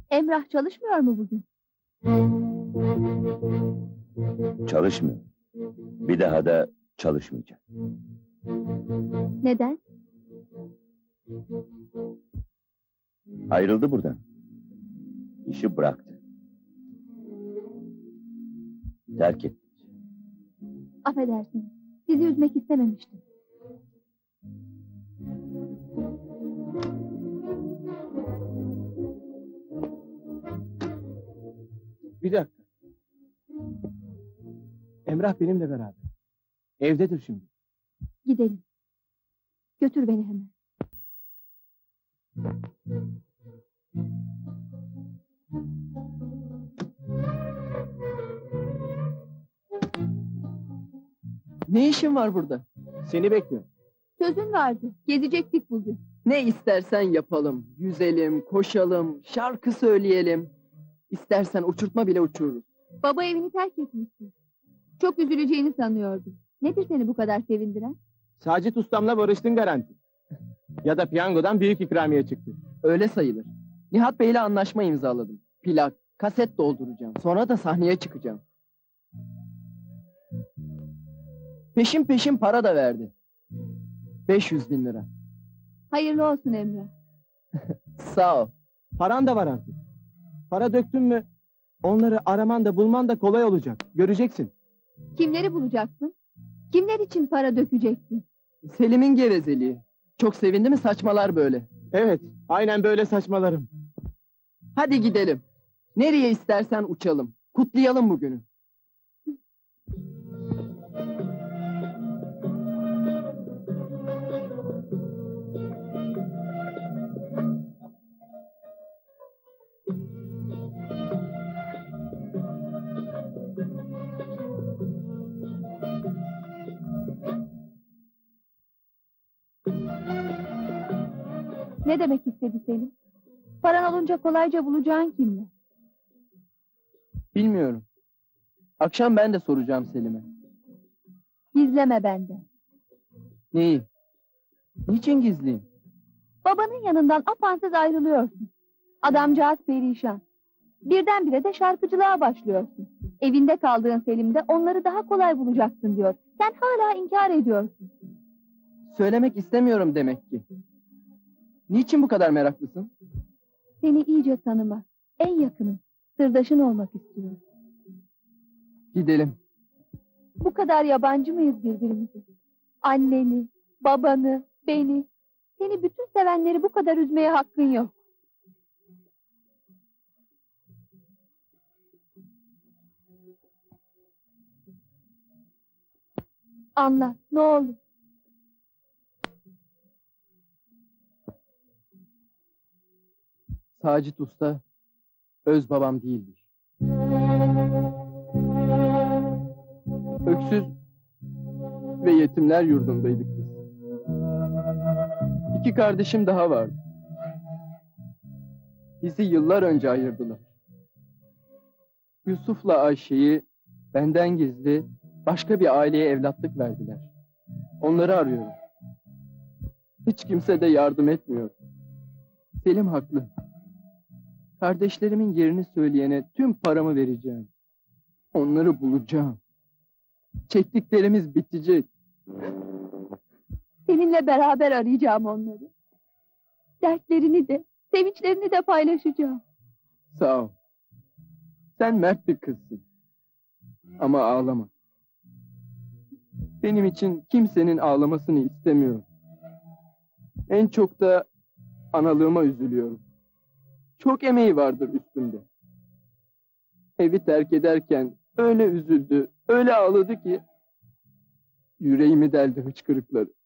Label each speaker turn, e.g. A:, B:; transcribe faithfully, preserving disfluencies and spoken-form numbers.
A: Emrah çalışmıyor mu bugün?
B: Çalışmıyor. Bir daha da çalışmayacak.
A: Neden?
B: Ayrıldı buradan. İşi bıraktı. Terk etti.
A: Affedersiniz. Sizi üzmek istememiştim.
C: Bir dakika. Emrah benimle beraber. Evdedir şimdi.
A: Gidelim. Götür beni hemen.
D: Ne işin var burada?
C: Seni bekliyorum.
A: Sözün vardı. Gezecektik bugün.
D: Ne istersen yapalım. Yüzelim, koşalım, şarkı söyleyelim. İstersen uçurtma bile uçururuz.
A: Baba evini terk etmişsin. Çok üzüleceğini sanıyordum. Nedir seni bu kadar sevindiren?
C: Sacit ustamla barıştın garanti. Ya da piyangodan büyük ikramiye çıktı.
D: Öyle sayılır. Nihat Bey'le anlaşma imzaladım. Plak, kaset dolduracağım. Sonra da sahneye çıkacağım. Peşin peşin para da verdi. beş yüz bin lira.
A: Hayırlı olsun Emrah.
D: Sağ ol.
C: Paran da var artık. Para döktün mü onları araman da bulman da kolay olacak. Göreceksin.
A: Kimleri bulacaksın? Kimler için para dökeceksin?
D: Selim'in gevezeliği. Çok sevindi mi saçmalar böyle.
C: Evet, aynen böyle saçmalarım.
D: Hadi gidelim. Nereye istersen uçalım. Kutlayalım bugünü.
A: Ne demek istedi Selim? Paran olunca kolayca bulacağın kimler?
D: Bilmiyorum. Akşam ben de soracağım Selim'e.
A: Gizleme benden.
D: Neyi? Niçin gizliyim?
A: Babanın yanından apansız ayrılıyorsun. Adamcağız perişan. Birdenbire de şarkıcılığa başlıyorsun. Evinde kaldığın Selim'de onları daha kolay bulacaksın diyor. Sen hala inkar ediyorsun.
D: Söylemek istemiyorum demek ki. Niçin bu kadar meraklısın?
A: Seni iyice tanımak, en yakının, sırdaşın olmak istiyorum.
D: Gidelim.
A: Bu kadar yabancı mıyız birbirimize? Anneni, babanı, beni, seni bütün sevenleri bu kadar üzmeye hakkın yok. Anlat, ne olur.
D: Sacit Usta öz babam değildir. Öksüz ve yetimler yurdundaydık biz. İki kardeşim daha vardı. Bizi yıllar önce ayırdılar. Yusuf'la Ayşe'yi benden gizli başka bir aileye evlatlık verdiler. Onları arıyorum. Hiç kimse de yardım etmiyor. Selim haklı. Kardeşlerimin yerini söyleyene tüm paramı vereceğim. Onları bulacağım. Çektiklerimiz bitecek.
A: Seninle beraber arayacağım onları. Dertlerini de, sevinçlerini de paylaşacağım.
D: Sağ ol. Sen mert bir kızsın. Ama ağlama. Benim için kimsenin ağlamasını istemiyorum. En çok da analığıma üzülüyorum. Çok emeği vardır üstümde. Evi terk ederken öyle üzüldü, öyle ağladı ki yüreğimi deldi hıçkırıkları.